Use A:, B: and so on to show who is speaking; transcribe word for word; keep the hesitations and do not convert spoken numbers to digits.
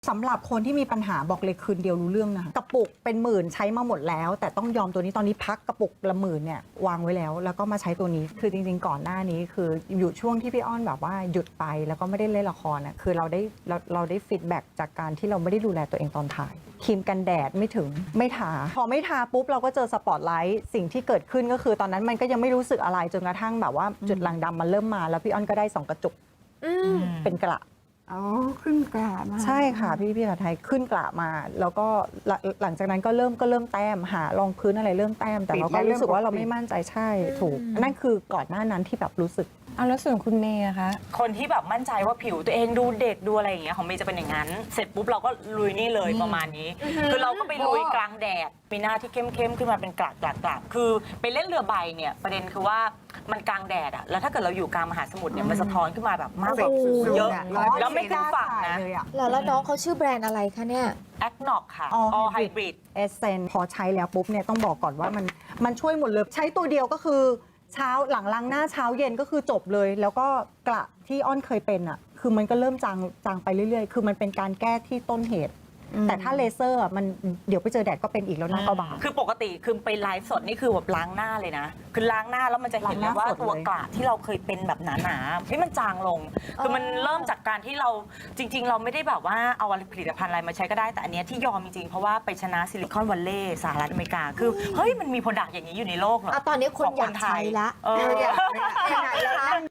A: สำหรับคนที่มีปัญหาบอกเลยคืนเดียวรู้เรื่องนะคะกระปุกเป็นหมื่นใช้มาหมดแล้ว แต่ต้องยอมตัวนี้ตอนนี้พักกระปุกละหมื่นเนี่ยวางไว้แล้ว แล้วก็มาใช้ตัวนี้คือจริงๆก่อนหน้านี้คืออยู่ช่วงที่พี่อ้อนแบบว่าหยุดไปแล้วก็ไม่ได้เล่นละครน่ะคือเราได้เราเราได้ฟีดแบ็กจากการที่เราไม่ได้ดูแลตัวเองตอนถ่ายครีมกันแดดไม่ถึงไม่ทาพอไม่ทาปุ๊บเราก็เจอสปอตไลท์สิ่งที่เกิดขึ้นก็คือตอนนั้นมันก็ยังไม่รู้สึกอะไรจนกระทั่งแบบว่าจุดด่างดำมันเริ่มมาแล้วพี่อ้อนก็ได้สองกระจุกเป็นกระ
B: อ๋อขึ้นกราบมา
A: ใช่ค่ะพี่พี่ภาษาไทยขึ้นกระมา แล้วก็หลังหลังจากนั้นก็เริ่มก็เริ่มแต้มหารองพื้นอะไรเริ่มแต้มแต่เราก็รู้สึกว่าเราไม่มั่นใจใช่ถูกนั่นคือก่อนหน้านั้นที่แบบรู้สึก
C: เอาแล้วส่วนคุณเมย์อะคะ
D: คนที่แบบมั่นใจว่าผิวตัวเองดูเด็กดูอะไรอย่างเงี้ยของเมย์จะเป็นอย่างนั้น เสร็จปุ๊บเราก็ลุยนี่เลยประมาณนี้ คือเราก็ไปลุยกลางแดดมีหน้าที่เข้มๆขึ้นมาเป็นกลากกลากกลากคือไปเล่นเรือใบเนี่ยประเด็นคือว่ามันกลางแดดอะแล้วถ้าเกิดเราอยู่กลางมหาสมุทรเนี่ยมันสะท้อนขึ้นมาแบบมากแบบเยอะแล้วไม่ขึ้นฝั่งนะ
E: แล้วแล้วน้องเขาชื่อแบรนด์อะไรคะเนี่ย
D: แอคน็อกค่ะ
A: All
D: All
A: Hybrid
D: Hybrid
A: เอเซนพอใช้แล้วปุ๊บเนี่ยต้องบอกก่อนว่ามันมันช่วยหมดเลยใช้ตัวเดียวก็คือเช้าหลังล้างหน้าเช้าเย็นก็คือจบเลย แล้วก็กระที่อ้อนเคยเป็นอ่ะคือมันก็เริ่มจางจางไปเรื่อยๆ คือมันเป็นการแก้ที่ต้นเหตุ แต่ถ้าเลเซอร์อะมันเดี๋ยวไปเจอแดดก็เป็นอีกแล้วหน้าก็บาง
D: คือปกติคือไปไลฟ์สดนี่คือแบบล้างหน้าเลยนะ คือล้างหน้าแล้วมันจะเห็นเลยว่า
A: ล้างหน้าสดเลย
D: ตัวกระที่เราเคยเป็นแบบหนาๆที่มันจางลง คือมันเริ่มจากการที่เราจริง ๆ เราไม่ได้แบบว่าเอาผลิตภัณฑ์อะไรมาใช้ก็ได้แต่อันเนี้ยที่ยอมจริงๆเพราะว่าไปชนะซิลิคอนวัลเลย์สหรัฐอเมริกาคือเฮ้ยมันมีโปรดักต์อย่างนี้อยู่ในโลกเหรอ
E: อ่ะตอนนี้คน
D: ของ
E: อยากใช้ละ
D: เออ
B: อยากขนาดเรานั่ง